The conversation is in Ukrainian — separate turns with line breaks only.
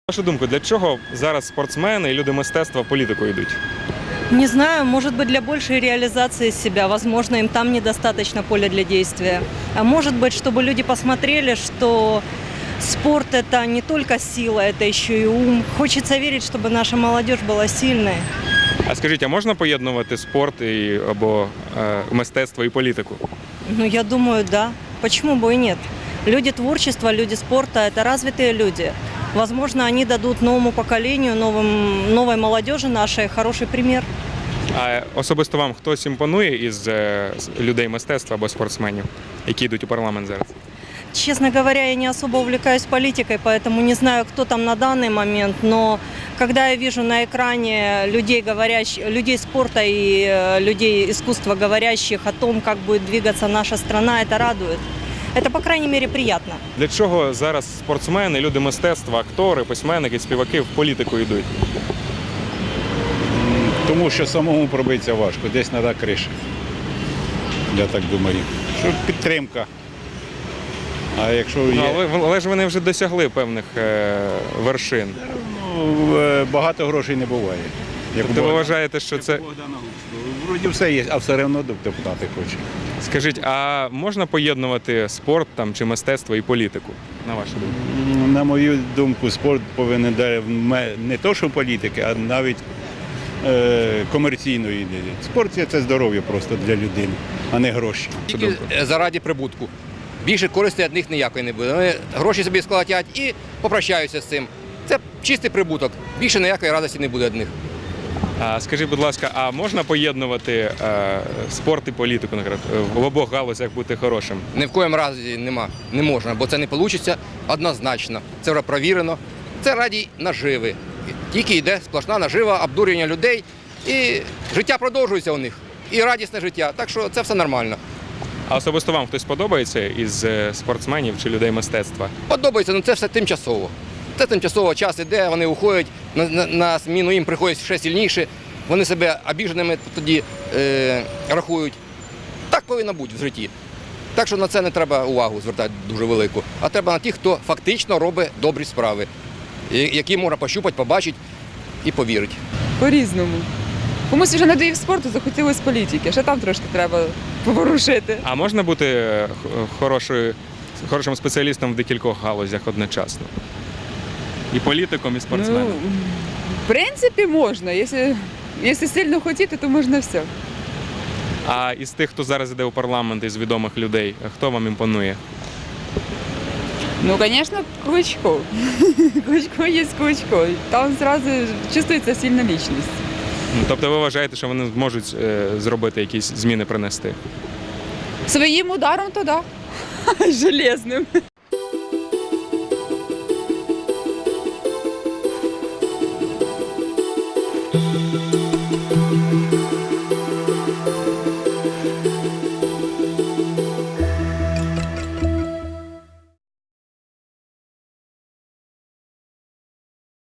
На вашу думку, для чого зараз спортсмени і люди мистецтва в політику йдуть?
Не знаю, может быть, для большей реализации себя. Возможно, им там недостаточно поля для действия. А может быть, чтобы люди посмотрели, что спорт – это не только сила, это еще и ум. Хочется верить, чтобы наша молодежь была сильной.
А скажіть, а можна поєднувати спорт або мистецтво і політику?
Ну, я думаю, да. Почему бы и нет? Люди творчества, люди спорта – это развитые люди. Возможно, они дадут новому поколению, новой молодежи нашей хороший пример.
А особисто вам хтось імпонує із людей мистецтва або спортсменів, які йдуть у парламент зараз?
Честно говоря, я не особо увлекаюсь политикой, поэтому не знаю, кто там на данный момент, но когда я вижу на экране людей спорта и людей искусства, говорящих о том, как будет двигаться наша страна, это радует. Это, по крайней мере, приятно.
Для чого зараз спортсмени, люди мистецтва, актори, письменники, співаки в політику йдуть?
Тому що самому пробитися важко, десь треба криша. Я так думаю. Що підтримка. А якщо є...
Але ж вони вже досягли певних вершин.
Багато грошей не буває.
Тобто ви вважаєте, що це...
Вроді все є, а все одно депутати хочуть.
Скажіть, а можна поєднувати спорт там, чи мистецтво і політику, на вашу думку?
На мою думку, спорт повинен не то, що політики, а навіть комерційної. Спорт – це здоров'я просто для людини, а не гроші.
Тільки заради прибутку. Більше користі від них ніякої не буде. Вони гроші собі сколотять і попрощаються з цим. Це чистий прибуток. Більше ніякої радості не буде від них.
Скажіть, будь ласка, а можна поєднувати спорт і політику, наприклад, в обох галузях бути хорошим?
Ні в коєму разі не можна, бо це не вийде однозначно. Це вже провірено. Це раді наживи. Тільки йде сплошна нажива, обдурювання людей, і життя продовжується у них. І радісне життя. Так що це все нормально.
А особисто вам хтось подобається із спортсменів чи людей мистецтва?
Подобається, але це все тимчасово. Це тимчасово, час іде, вони уходять, на зміну їм приходять ще сильніше, вони себе обіженими тоді рахують. Так повинно бути в житті. Так що на це не треба увагу звертати дуже велику, а треба на тих, хто фактично робить добрі справи, які можна пощупати, побачити і повірити.
По-різному. Комусь вже надоїв спорту, захотілося політики, ще там трошки треба поворушити.
А можна бути хорошим спеціалістом в декількох галузях одночасно? І політиком, і спортсменом?
Ну, в принципі, можна. Якщо сильно хотіти, то можна все.
А із тих, хто зараз йде у парламент, із відомих людей, хто вам імпонує?
Ну, звісно, Кличко. Кличко є Кличко. Там одразу чувствується сильна лічність.
Тобто ви вважаєте, що вони зможуть зробити якісь зміни, принести?
Своїм ударом то да. Железним.